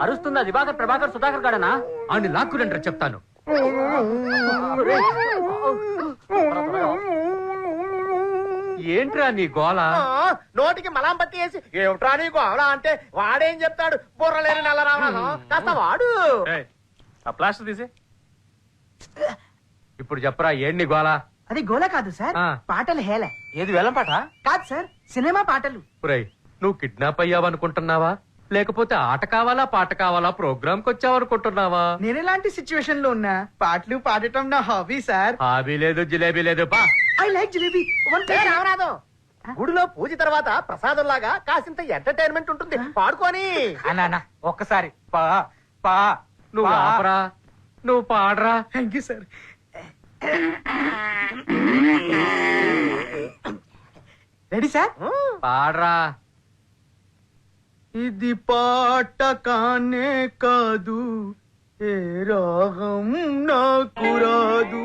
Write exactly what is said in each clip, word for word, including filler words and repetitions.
అరుస్తుందా దివాకర్ ప్రభాకర్ సుధాకర్ గాడనా? అని లాక్కురండ్రా చెప్తాను. ఏంట్రా నీ గోల? నోటికి మలాం పట్టి వేసి ఏమిట్రా నీ గోల అంటే వాడేం చెప్తాడు? బుర్రలేని నల్ల రావణం కాస్త వాడు. ఆ ప్లాస్టర్ తీసే. ఇప్పుడు చెప్పరా ఏంటి గోల? అది గోల కాదు సార్, పాటలు హేళ. ఏది వేలం పాట కాదు సార్, సినిమా పాటలు. ఒరేయ్, నువ్వు కిడ్నాప్ అయ్యావనుకుంటున్నావా, లేకపోతే ఆట కావాలా పాట కావాలా ప్రోగ్రామ్ కి వచ్చావనుకుంటున్నావా? నేను ఎలాంటి సిచ్యువేషన్ లో ఉన్నా పాటలు పాడటం నా హాబీ సార్. హాబీ లేదు జిలేబీ లేదు. బా ఐ లైక్ జిలేబీ. రామనాథం, గుడిలో పూజ తర్వాత ప్రసాదం లాగా కాసింత ఎంటర్టైన్మెంట్ ఉంటుంది, పాడుకొని. అన్నా ఒక్కసారి పా పా నువ్వు ఆపరా, నువ్వు పాడరా. Thank you sir. Ready sir? పాడరా. ఇది పాట కానే కాదు, ఏ రాగం నాకు రాదు.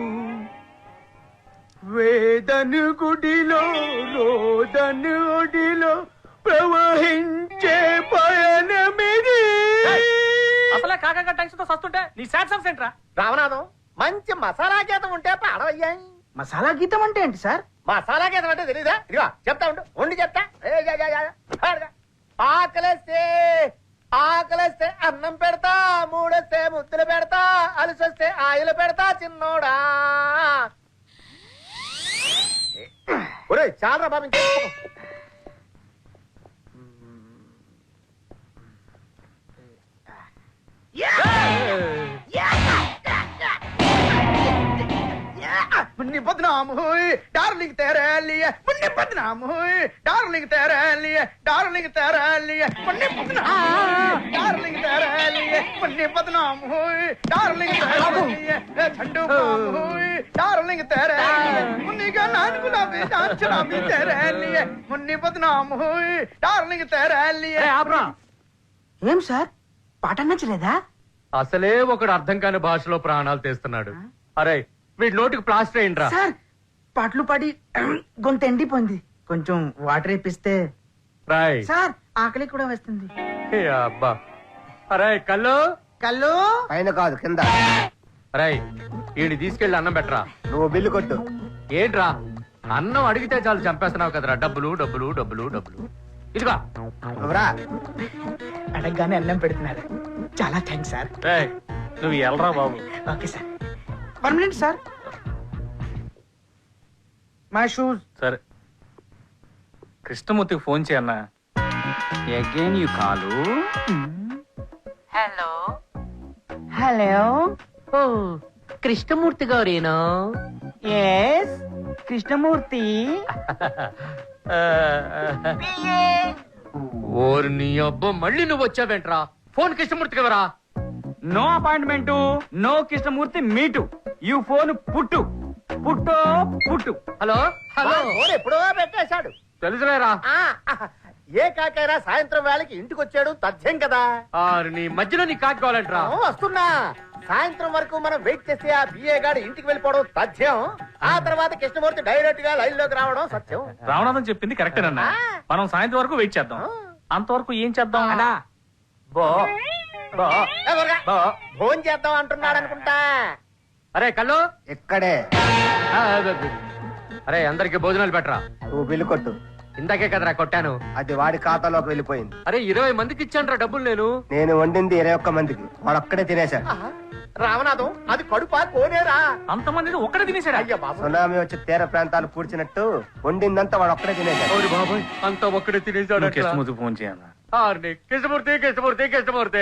వేదను గుడిలో రోదను ఒడిలో ప్రవహించే పయనమిది. అసలే కాకా టెన్షన్ తో సస్తుంటే నీ సాడ్ సాంగ్స్ ఏంట్రా? రామనాథం, మంచి మసాలా గీతం ఉంటే పాడవయ్యాయి. మసాలా గీతం అంటే ఏంటి సార్? మసాలా గీతం అంటే తెలీదా? ఇదిగో చెప్తా ఉండు, ఉండి చెప్తా. ఏ జా జా జా. పాడుగా. ఆకలేస్తే ఆకలేస్తే అన్నం పెడతా, మూడొస్తే ముద్దులు పెడతా, అలసొస్తే ఆయిలు పెడతా చిన్నోడా. ఒరే చాలా బాబు. मुन्नी बदनाम हुई डार्लिंग तेरे लिए, मुन्नी बदनाम हुई डार्लिंग तेरे लिए, डार्लिंग तेरे लिए मुन्नी बदनाम, डार्लिंग तेरे लिए मुन्नी बदनाम हुई, डार्लिंग तेरे लिए ठंडू बाम हुई, डार्लिंग तेरे लिए मुन्नी का नान गुलाबी जान शराबी तेरे लिए, मुन्नी बदनाम हुई डार्लिंग तेरे लिए. ఏం సార్ పాట నచ్చలేదా? అసలే ఒకడు అర్థం కాని భాషలో ప్రాణాలు తీస్తున్నాడు. అరే వీడి నోటికి ప్లాస్టర్ అయిండ్రా. సార్ పాటలు పాడి గొంతు ఎండిపోయింది, కొంచెం వాటర్ ఇప్పిస్తే. రాయ్ సార్ ఆకలి కూడా వేస్తుంది. ఏ అబ్బా. అరే కళ్ళు కళ్ళు పైన కాదు కింద. అరే వీడిని తీసుకెళ్లి అన్నం పెట్టరా. నువ్వు బిల్లు కొట్టు. ఏంట్రా అన్నం అడిగితే చాలు చంపేస్తున్నావు కదరా. డబ్బులు డబ్బులు డబ్బులు డబ్బులు. ఇదిగా అడగగానే అన్నం పెడుతున్నారు, చాలా థ్యాంక్స్ సార్. నువ్వు ఎల్రా బాబు. Okay sir. One minute sir, my shoes. సరే కృష్ణమూర్తికి ఫోన్ చేయన్నా. Again you call. Hello hello. Oh Krishnamurthy గారేనా? ఎస్ కృష్ణమూర్తి. ఓరి నీ అబ్బా, మళ్ళీ నువ్వు వచ్చావేంట్రా? ఫోన్ కృష్ణమూర్తికి ఎవరా? No appointment, no Krishnamurthy meet. You phone put పుట్టో పుట్టు. Hello hello. ఫోన్ ఎప్పుడో పెట్టేశాడు. తెలుసులేరా. ఏ కాకైనా సాయంత్రం వేళకి ఇంటికి వచ్చాడు తథ్యం కదా. ఆరు నీ మధ్యలో నీ కాకి కావాలంట్రా. వస్తున్నా. సాయంత్రం వరకు మనం వెయిట్ చేస్తే ఆ బిఏ గాడు ఇంటికి వెళ్ళిపోవడం తథ్యం. ఆ తర్వాత కృష్ణమూర్తి డైరెక్ట్ గా లైన్ లోకి రావడం సత్యం. రావణాథం చెప్పింది కరెక్టేనన్నా. మనం సాయంత్రం వరకు వెయిట్ చేద్దాం. అంతవరకు ఏం చేద్దాం అన్నా? బో బో బో ఫోన్ చేద్దాం అంటున్నాడు అనుకుంటా. అరే కళ్ళు ఇక్కడే. అరే అందరికి భోజనాలు పెట్టరా. నువ్వు బిల్లు కొట్టు. ఇందాకే కదరా కొట్టాను. అది వాడి ఖాతాలోకి వెళ్ళిపోయింది. అరే ఇరవై మందికి ఇచ్చాను డబ్బులు నేను. నేను వండింది ఇరవై ఒక్క మందికి, వాడు ఒక్కడే తినేశాడు. రామనాథం, అది కడుపా కోనేరా? అంతమంది ఒక్కడే తినేశాడు. అయ్యా బాబు, సునామీ వచ్చి తీర ప్రాంతాలు పూడ్చినట్టు వండిందంతా వాడు ఒక్కడే తినేశాడు. బాబాయ్ అంతా ఒక్కడే తినేశాడు. కృష్ణమూర్తి ఫోన్ చేయన్నా. కృష్ణమూర్తి కృష్ణమూర్తి కృష్ణమూర్తి.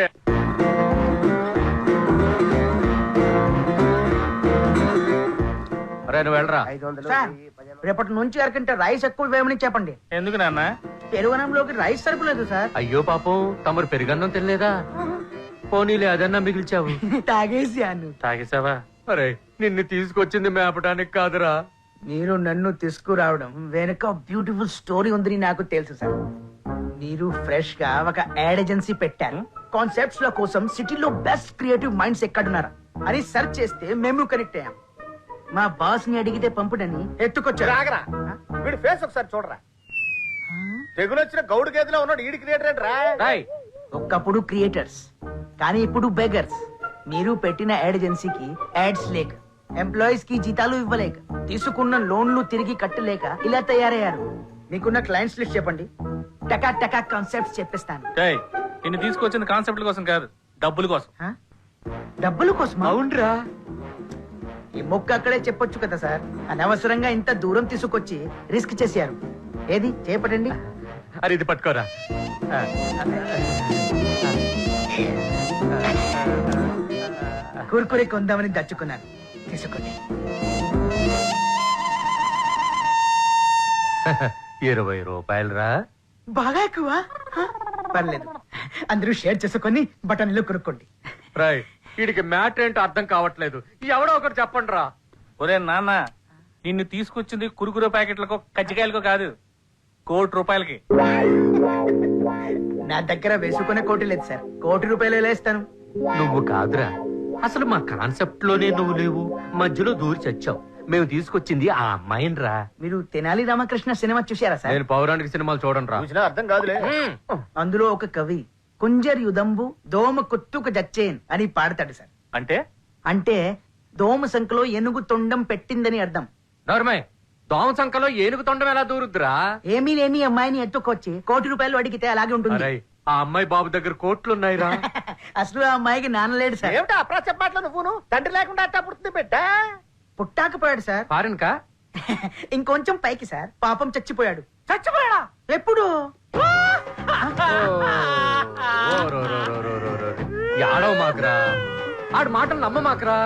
అరే నువ్వు వెళ్ళరా. ఐదు వందలు సార్, రేపటి నుంచి అరకంటే రైస్ ఎక్కువ వేయమని చెప్పండి. ఎందుకు నాన్న? పెరుగనంలోకి రైస్ సరుకులేదు సార్. అయ్యో పాపం, తమరు పెరుగన్నం తినలేదా? పోనీలే అదన్నా మిగిల్చావు. తాగేసాను. తాగేసావా? అరే నిన్ను తీసుకొచ్చింది మేపడానికి కాదురా. మీరు నన్ను తీసుకురావడం వెనుక బ్యూటిఫుల్ స్టోరీ ఉందని నాకు తెలుసు సార్. మీరు ఫ్రెష్ గా ఒక యాడ్ ఏజెన్సీ పెట్టారు. కాన్సెప్ట్స్ ల కోసం సిటీలో బెస్ట్ క్రియేటివ్ మైండ్స్ ఎక్కడున్నారా అని సెర్చ్ చేస్తే మేము కనెక్ట్ అయ్యాం. మా బాస్ ని అడిగితే పంపుడని ఎత్తుకొచ్చారు. రాగరా, వీడి ఫేస్ ఒకసారి చూడరా. తెగులు వచ్చిన గౌడు గేదెలో ఉన్నాడు. ఈడి క్రియేటర్ రా. ఒకప్పుడు క్రియేటర్స్, కానీ ఇప్పుడు బెగర్స్. మీరు పెట్టిన యాడ్ ఏజెన్సీకి యాడ్స్ లేక, ఎంప్లాయీస్ కి జీతాలు ఇవ్వలేక, తీసుకున్న లోన్లు తిరిగి కట్టలేక ఇలా తయారయ్యారు. మీకున్న క్లయింట్స్ లిస్ట్ చెప్పండి, టకా టకా కాన్సెప్ట్స్ చెప్పిస్తాను. ఏయ్, నిన్ను తీసుకొచ్చిన కాన్సెప్ట్ కోసం కాదు, డబ్బుల కోసం. హ? డబ్బుల కోసం? అవునరా. ఈ మొక్క అక్కడే చెప్పొచ్చు కదా సార్. అనవసరంగా ఇంత దూరం తీసుకొచ్చి రిస్క్ చేశారు. ఏది చేపట్టండి. అరే ఇది పట్టుకోరా. కుర్కురే కొందామని దచ్చుకున్నాను, తీసుకోండి. ఇరవై రూపాయలు రా. బాగా ఎక్కువ. హ? పర్లేదు, అందరూ షేర్ చేసుకొని బటన్లు కొనుక్కోండి. రాయ్, వీడికి మ్యాటర్ ఏంటో అర్థం కావట్లేదు. ఎవడో ఒకటి చెప్పండి రా. ఒరే నాన్న, నిన్ను తీసుకొచ్చింది కురుకురు ప్యాకెట్లకో కజ్జికాయలకో కాదు, కోటి రూపాయలకి. నా దగ్గర వేసుకునే కోటి లేదు సార్, కోటి రూపాయలు ఎలా ఇస్తాను? నువ్వు కాదురా, అసలు మా కాన్సెప్ట్ లోనే నువ్వు లేవు, మధ్యలో దూరి చచ్చావు. మేము తీసుకొచ్చింది ఆ అమ్మాయిని రా. మీరు తెనాలి రామకృష్ణ సినిమా చూశారా సార్? నేను పౌరాణిక సినిమాలు చూడండి రా. చూసినా అర్థం కాదులే. అందులో ఒక కవి కుంజర్ యుదంబు దోమ కుత్తుకు జచ్చేన్ అని పాడతాడు సార్. అంటే అంటే దోమ సంఖలో ఏనుగు తొండం పెట్టిందని అర్థం. నోర్మయ్, దోమ సంఖలో ఏనుగు తొండం ఎలా దూరుద్దురా? ఏమీ లేని అమ్మాయిని ఎత్తుకొచ్చి కోటి రూపాయలు అడిగితే అలాగే ఉంటుంది. అరే, ఆ అమ్మాయి బాబు దగ్గర కోట్లున్నాయిరా. అసలు ఆ అమ్మాయికి నాన్న లేడు సార్. ఏమిటా అప్రాచ్య మాటలు నువ్వును? తండ్రి లేకుండా అట్టా పుడుతుంది బిడ్డ. పుట్టాకపోయాడు సార్. ఫారెన్ కా? ఇంకొంచెం పైకి సార్, పాపం చచ్చిపోయాడు. చచ్చిపోయాడా? ఎప్పుడు? యాడవ మాకురా, ఆడు మాటలు నమ్మ మాకురా.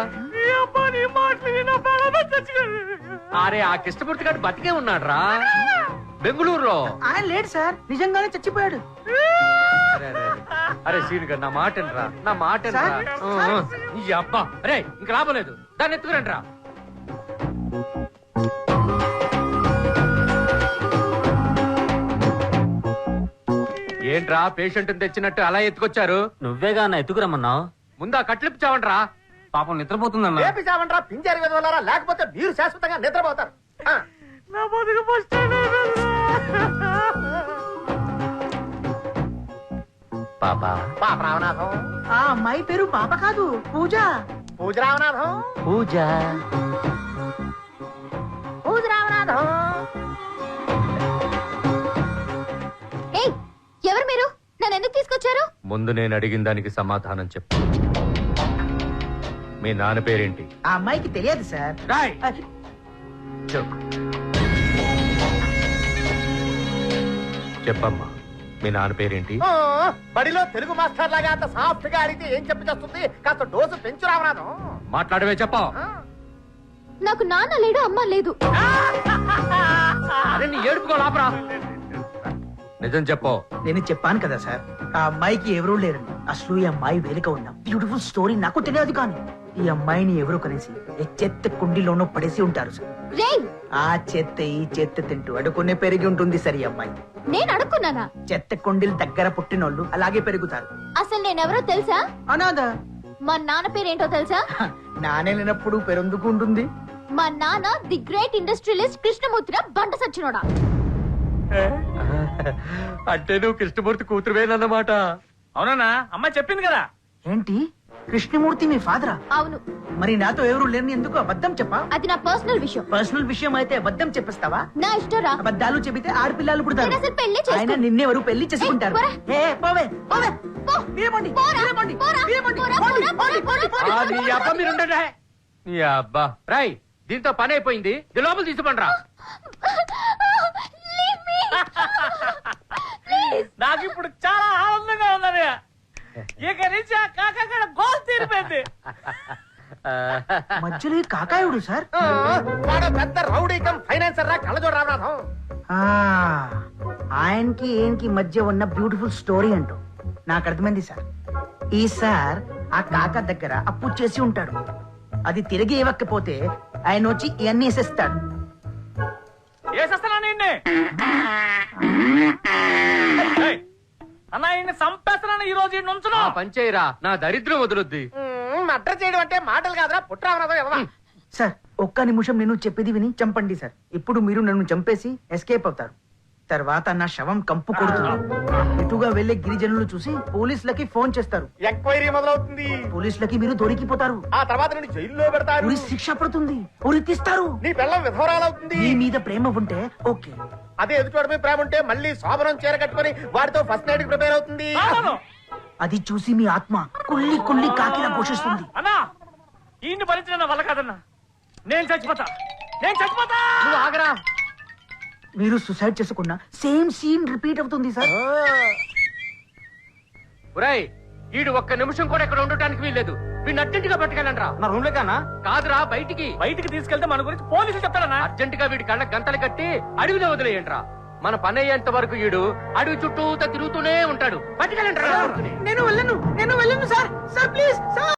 అరే, ఆ కృష్ణమూర్తి గారు బతికే ఉన్నాడు రా, బెంగళూరులో. ఆయన లేడు సార్, నిజంగానే చచ్చిపోయాడు. అరే, అరే, అరే. అరే సీన్ గారు, నా మాట రా, నా మాట సార్, సార్. ఈ అబ్బా. అరే, ఇంక రాబోలేదు, దాన్ని ఎత్తుకురండి రా. ఏంట్రా పేషెంట్ తెచ్చినట్టు అలా ఎత్తుకొచ్చారు? నువ్వేగా అన్న ఎత్తుకురమ్మన్నావు. ముందా కట్లిప్పు చావండి రా. పాపం నిద్రపోతుందన్న. రేపి చావంట్రా పింజారి విధవలారా, లేకపోతే మీరు శాశ్వతంగా నిద్రపోతారు. ఆ. పాపా, పాప రామనాథం, ఆ అమ్మాయి పేరు పాప కాదు, పూజ. పూజ రామనాథం, పూజ. పూజ రామనాథం. ఏయ్, ఎవరు మీరు? నన్ను ఎందుకు తీసుకొచ్చారు? ముందు నేను అడిగిన దానికి సమాధానం చెప్పు. మీ నాన్న పేరేంటి? ఆ అమ్మాయికి తెలియదు సార్. రాయ్. అది- చెప్పు. చెప్పమ్మా, మీ నాన్న పేరేంటి? ఆ, బడిలో తెలుగు మాస్టర్ లాగా అంత సాఫ్ట్ గా అడిగితే ఏం చెప్పి చేస్తుంది? కాస్త డోసు పెంచు రామనాథం. మాట్లాడవే, చెప్పా. ఆ. నాకు నాన్న లేడు, అమ్మ లేదు. అరే, నీ ఏడుపుకో లాపరా. నిజం చెప్పు. నేను చెప్పాను కదా సార్, ఆ అమ్మాయికి ఎవరూ లేరండి. అసలు ఈ అమ్మాయి వేలిక ఉన్నాం. బ్యూటిఫుల్ స్టోరీ నాకు తెలియదు, కానీ ఈ అమ్మాయిని ఎవరు కనేసి ఏ చెత్త కుండీలోనో పడేసి ఉంటారు సార్. రేయ్, ఆ చెత్త ఈ చెత్త తింటూ అడుకునే పెరిగి ఉంటుంది సార్ ఈ అమ్మాయి. నేను అడుక్కున్నానా? చెత్త కుండీల దగ్గర పుట్టినోళ్ళు అలాగే పెరుగుతారు. అసలు నేనెవరో తెలుసా? అనాథ. మా నాన్న పేరేంటో తెలుసా? హ, నానే లేనప్పుడు పెరందుకు ఉంటుంది. మా నాన్న ది గ్రేట్ ఇండస్ట్రియలిస్ట్ కృష్ణమూర్తిరా బండ సచ్చినోడా. అంటే నువ్వు కృష్ణమూర్తి కూతురువేనన్నమాట. అవునన్నా, అమ్మాయి చెప్పింది కదా. ఏంటి, కృష్ణమూర్తి మీ ఫాదరా? అవును. మరి నాతో ఎవరు లేని ఎందుకు అబద్ధం చెప్పా? అది నా పర్సనల్ విషయం. పర్సనల్ విషయం అయితే అబద్ధం చెప్పేస్తావా? నా ఇష్టరా. అబద్ధాలు చెబితే ఆడపిల్లలు పుడతారు. నేను అసలు పెళ్లి చేసుకోను. ఆయన నిన్నెవరు పెళ్లి చేసుకుంటారు? ఏయ్, పోరా. ఏ, పోవే, పోవే. పో. మీరేమండి? పోరా. మీరేమండి? పోరా. మీరేమండి? పోరా, పోండి, పోరా, పోండి, పోరా, పోండి, పోరా. పోండి. ఆ, నీ అబ్బా మీరుండే. నీ అబ్బా. రాయ్, దీంతో పని అయిపోయింది, ఇది లోపల తీసుకుంటరా. Leave me. నాకు ఇప్పుడు చాలా ఆనందంగా ఉందని. ఇక నుంచి ఆ కాకాడ గోల్ తీరిపోయింది. మధ్యలో ఈ కాకాయుడు సార్. ఆ, వాడు పెద్ద రౌడీ కమ్ ఫైనాన్సర్ రా, కళ్ళజోడు రామనాథం. ఆ, ఆయనకి ఏంకి మధ్య ఉన్న బ్యూటిఫుల్ స్టోరీ అంటూ నాకు అర్థమైంది సార్. ఈ సార్ ఆ కాక దగ్గర అప్పు చేసి ఉంటాడు. అది తిరిగి ఇవ్వకపోతే ఆయన వచ్చి ఇవన్నీ వేసేస్తాడు. వేసేస్తానా నిన్నే? ఏయ్, అన్న ఈయన్ని చంపేస్తున్నాను ఈ రోజు ఈ నుంచును. ఆ పని చేయరా, నా దరిద్రం వదులుద్ది. మ్మ్, మర్డర్ చేయడం అంటే మాటలు కాదురా, పుట్రామనాథం ఎవరా? సార్ ఒక్క నిమిషం నేను చెప్పేది విని చంపండి సార్. ఇప్పుడు మీరు నన్ను చంపేసి ఎస్కేప్ అవుతారు. తర్వాత నా శవం కంపు కొడుతుంది. ఇటుగా వెళ్లే గిరిజనులు చూసి పోలీసులకి ఫోన్ చేస్తారు. ఎంక్వైరీ మొదలవుతుంది. పోలీసులకి మీరు దొరికిపోతారు. ఆ తర్వాత నుండి జైల్లో పెడతారు. ఉరి శిక్ష పడుతుంది. ఉరి తీస్తారు. నీ పిల్లం విధవరాలవుతుంది. మీ మీద ప్రేమ ఉంటే ఓకే. అదే ఎదుటి ప్రేమ ఉంటే మళ్ళీ శోభనం చీర కట్టుకొని వాడితో ఫస్ట్ నైట్ ప్రిపేర్ అవుతుంది. అది చూసి మీ ఆత్మ కుళ్ళి కుళ్ళి కాకిలా పోషిస్తుంది. అన్నా ఈ భరించిన వల్ల కాదన్నా, నేను చచ్చిపోతా, నేను చచ్చిపోతా. నువ్వు ఆగరా. మీరు సుసైడ్ చేసుకున్న సేమ్ సీన్ రిపీట్ అవుతుంది సార్. ఒరేయ్, ఈడు ఒక్క నిమిషం కూడా ఇక్కడ ఉండటానికి వీల్లేదు. వీడిని అర్జెంట్ గా పట్టుకెళ్ళండ్రా. నా రూమ్ లోకన్నా కాదురా, బయటికి. బయటికి తీసుకెళ్తే మన గురించి పోలీసులు చెప్తారన్నా. అర్జెంట్ గా వీడి కళ్ళ గంతలు కట్టి అడవిలో వదిలేయండిరా. మన పని అయ్యేంత వరకు ఈడు అడవి చుట్టూ తిరుగుతూనే ఉంటాడు. పట్టుకెళ్ళండి. నేను వెళ్ళను నేను వెళ్ళను సార్. Sir please sir.